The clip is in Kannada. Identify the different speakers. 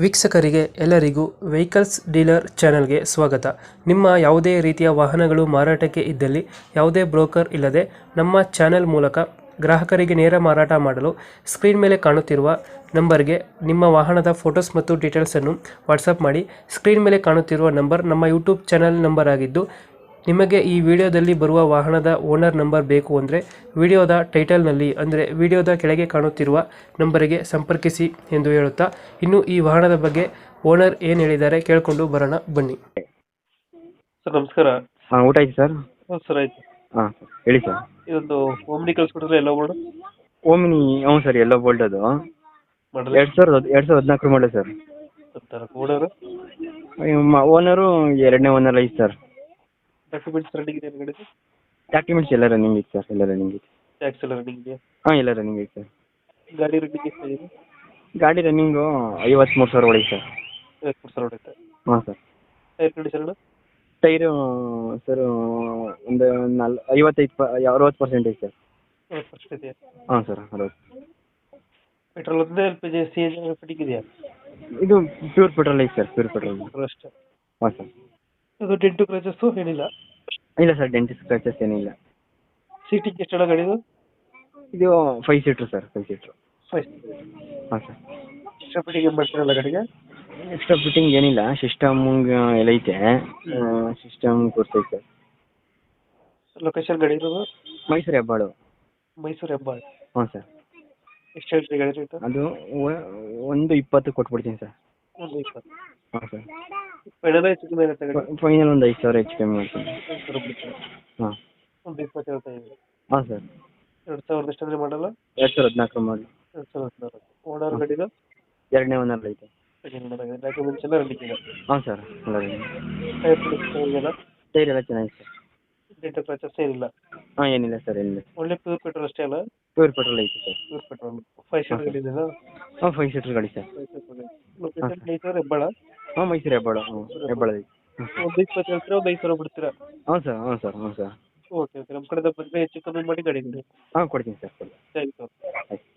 Speaker 1: ವೀಕ್ಷಕರಿಗೆ ಎಲ್ಲರಿಗೂ ವೆಹಿಕಲ್ಸ್ ಡೀಲರ್ ಚಾನೆಲ್ಗೆ ಸ್ವಾಗತ. ನಿಮ್ಮ ಯಾವುದೇ ರೀತಿಯ ವಾಹನಗಳು ಮಾರಾಟಕ್ಕೆ ಇದ್ದಲ್ಲಿ ಯಾವುದೇ ಬ್ರೋಕರ್ ಇಲ್ಲದೆ ನಮ್ಮ ಚಾನೆಲ್ ಮೂಲಕ ಗ್ರಾಹಕರಿಗೆ ನೇರ ಮಾರಾಟ ಮಾಡಲು ಸ್ಕ್ರೀನ್ ಮೇಲೆ ಕಾಣುತ್ತಿರುವ ನಂಬರ್ಗೆ ನಿಮ್ಮ ವಾಹನದ ಫೋಟೋಸ್ ಮತ್ತು ಡೀಟೇಲ್ಸನ್ನು ವಾಟ್ಸಪ್ ಮಾಡಿ. ಸ್ಕ್ರೀನ್ ಮೇಲೆ ಕಾಣುತ್ತಿರುವ ನಂಬರ್ ನಮ್ಮ ಯೂಟ್ಯೂಬ್ ಚಾನೆಲ್ ನಂಬರ್ ಆಗಿದ್ದು, ನಿಮಗೆ ಈ ವಿಡಿಯೋದಲ್ಲಿ ಬರುವ ವಾಹನದ ಓನರ್ ನಂಬರ್ ಬೇಕು ಅಂದರೆ ವಿಡಿಯೋದ ಟೈಟಲ್ನಲ್ಲಿ ಅಂದರೆ ವಿಡಿಯೋದ ಕೆಳಗೆ ಕಾಣುತ್ತಿರುವ ನಂಬರಿಗೆ ಸಂಪರ್ಕಿಸಿ ಎಂದು ಹೇಳುತ್ತಾ, ಇನ್ನು ಈ ವಾಹನದ ಬಗ್ಗೆ ಓನರ್ ಏನು ಹೇಳಿದ್ದಾರೆ ಕೇಳಿಕೊಂಡು ಬರೋಣ ಬನ್ನಿ. ಸರ್ ನಮಸ್ಕಾರ.
Speaker 2: ಹಾಂ, ಊಟ ಆಯ್ತು ಸರ್.
Speaker 1: ಸರ್ ಆಯ್ತು.
Speaker 2: ಹಾಂ ಹೇಳಿ ಸರ್.
Speaker 1: ಇದೊಂದು ಓಮ್ನಿ ಕಳಿಸ್ಕೊಟ್ರೆ ಎಲ್ಲ ಓಡು
Speaker 2: ಓಮಿನಿ, ಹ್ಞೂ ಸರ್, ಎಲ್ಲೋ ಬೋಲ್ಟ್ ಅದು
Speaker 1: model
Speaker 2: 2014 model sir.
Speaker 1: Owner
Speaker 2: owner ಎರಡನೇ ಓನರ್ ಐತೆ ಸರ್.
Speaker 1: ಡಾಕ್ಯುಮೆಂಟ್ಸ್ ರನ್ನಿಂಗ್ ಇದೆ ಗಾಡಿ?
Speaker 2: ಡಾಕ್ಯುಮೆಂಟ್ಸ್ ಎಲ್ಲ ರನ್ನಿಂಗ್ ಐತೆ ಸರ್, ಎಲ್ಲ ರನ್ನಿಂಗ್ ಐತೆ.
Speaker 1: ಟ್ಯಾಕ್ಸ್ ಎಲ್ಲ ರನ್ನಿಂಗ್ ಇದೆಯಾ?
Speaker 2: ಹಾಂ, ಎಲ್ಲ ರನ್ನಿಂಗ್ ಐತೆ ಸರ್.
Speaker 1: ಗಾಡಿ ರನ್ನಿಂಗ್ ಎಷ್ಟಾಗಿದೆ?
Speaker 2: ಗಾಡಿ ರನ್ನಿಂಗು 53,000 ಒಳಗೆ ಸರ್.
Speaker 1: 53,000 ಹೊಡೆಯುತ್ತೆ.
Speaker 2: ಹಾಂ sir.
Speaker 1: Tyre condition
Speaker 2: tyre sir ಒಂದು 60% ಐತೆ ಸರ್.
Speaker 1: ಫಸ್ಟ್ ಇದೆಯಾ?
Speaker 2: ಹಾಂ ಸರ್, 60.
Speaker 1: ಪೆಟ್ರೋಲ್ ಒಂದೇ LPG CNG ಫಿಟ್ಟಿಂಗ್ ಇದೆಯಾ?
Speaker 2: ಇದು ಪ್ಯೂರ್ ಪೆಟ್ರೋಲ್ ಐತೆ ಸರ್, ಪ್ಯೂರ್ ಪೆಟ್ರೋಲ್.
Speaker 1: ಪೆಟ್ರೋಲ್ ಅಷ್ಟೇ.
Speaker 2: ಹಾಂ ಸರ್.
Speaker 1: ಅದು ಡೆಂಟು ಕ್ರಚಸ್ಸು ಏನಿಲ್ಲ?
Speaker 2: ಇಲ್ಲ ಸರ್, ಡೆಂಟಿಸ್ಟ್ ಸ್ಕ್ರಾಚಸ್ ಏನಿಲ್ಲ.
Speaker 1: ಸೀಟಿಂಗ್ ಎಷ್ಟು ಗಾಡಿದು?
Speaker 2: ಇದು 5 ಸೀಟ್ರು ಸರ್, 5 ಸೀಟ್ರು.
Speaker 1: 5.
Speaker 2: ಹಾಂ ಸರ್.
Speaker 1: ಎಕ್ಸ್ಟ್ರಾ ಫಿಟ್ಟಿಂಗ್ ಏನು ಮಾಡ್ತೀರಲ್ಲ ಗಾಡಿಗೆ?
Speaker 2: ಎಕ್ಸ್ಟ್ರಾ ಫಿಟ್ಟಿಂಗ್ ಏನಿಲ್ಲ, ಸಿಸ್ಟಮ್ ಎಲ್ಲ ಐತೆ. System ಕೂರ್ಸೈತೆ sir.
Speaker 1: ಲೊಕೇಶನ್ ಗಾಡಿ ಇರೋದು?
Speaker 2: ಮೈಸೂರು ಹೆಬ್ಬಾಳು.
Speaker 1: ಮೈಸೂರು ಹೆಬ್ಬಾಳು.
Speaker 2: ಹ್ಞೂ ಸರ್.
Speaker 1: ಎಷ್ಟು ಹೇಳ್ತೀರಿ ಗಾಡಿ ರೇಟು?
Speaker 2: ಅದು 120 ಕೊಟ್ಬಿಡ್ತೀನಿ ಸರ್.
Speaker 1: 120.
Speaker 2: ಹಾಂ ಸರ್.
Speaker 1: ಫೈನಲ್ ಹೆಚ್ಚು ಕಮ್ಮಿ ಆಗುತ್ತೆ ಗಾಡಿ?
Speaker 2: ಫೈನಲ್ ಒಂದು 5,000 ಹೆಚ್ಚು ಕಮ್ಮಿ ಮಾಡ್ತೀನಿ.
Speaker 1: 5,000 ಬಿಡ್ತೀರಾ?
Speaker 2: ಹಾಂ.
Speaker 1: 120 ಹೇಳ್ತಾ ಇದ್ದೀವಿ.
Speaker 2: ಹಾಂ ಸರ್.
Speaker 1: 2000 ಎಷ್ಟಂದ್ರೆ ಮಾಡಲ್ಲ?
Speaker 2: 2014 ಮಾಡಲಿ.
Speaker 1: 2014. ಓನರ್ ಗಾಡಿದು?
Speaker 2: ಎರಡನೇ ಓನರ್ ಐತೆ.
Speaker 1: ಡಾಕ್ಯುಮೆಂಟ್ಸ್ ಎಲ್ಲ ರೆಡಿ ಇದೆ?
Speaker 2: ಹಾಂ ಸರ್, ಎಲ್ಲ
Speaker 1: ಟೈರ್ ಕಂಡೀಷನ್
Speaker 2: ಟೈರ್ ಎಲ್ಲ ಚೆನ್ನಾಗಿದೆ ಸರ್.
Speaker 1: ಡೆಂಟು ಕ್ರಚಸ್ ಏನಿಲ್ಲ?
Speaker 2: ಹಾಂ, ಏನಿಲ್ಲ ಸರ್, ಏನಿಲ್ಲ.
Speaker 1: ಒಳ್ಳೆ ಪ್ಯೂರ್ ಪೆಟ್ರೋಲ್ ಅಷ್ಟೇ ಅಲ್ಲ?
Speaker 2: ಪ್ಯೂರ್ ಪೆಟ್ರೋಲ್ ಐತೆ ಸರ್.
Speaker 1: Pure petrol. 5 ಸೀಟರ್ ಗಾಡಿ ಇದೆಯಾ?
Speaker 2: ಹಾಂ, 5 ಸೀಟ್ರ್ ಗಾಡಿ ಸರ್.
Speaker 1: ಲೊಕೇಶನ್ ಮೈಸೂರು ಹೆಬ್ಬಾಳ?
Speaker 2: ಹಾಂ, ಮೈಸೂರು ಹೆಬ್ಬಾಳು. ಹ್ಞೂ, ಹೆಬ್ಬಾಳು ಐತೆ.
Speaker 1: 120 ಹೇಳ್ತೀರಾ? 5,000 ಬಿಡ್ತೀರಾ?
Speaker 2: ಹಾಂ ಸರ್, ಹ್ಞೂ ಸರ್, ಹ್ಞೂ ಸರ್.
Speaker 1: Okay okay. ನಮ್ಮ ಕಡೆಯಿಂದ ಬಂದರೆ ಹೆಚ್ಚು ಕಮ್ಮಿ ಮಾಡಿ ಗಾಡಿ ಕೊಡಿ.
Speaker 2: ಹಾಂ, ಕೊಡ್ತೀನಿ ಸರ್, ಕೊಡಿ.
Speaker 1: Thank you.
Speaker 2: ಆಯ್ತು.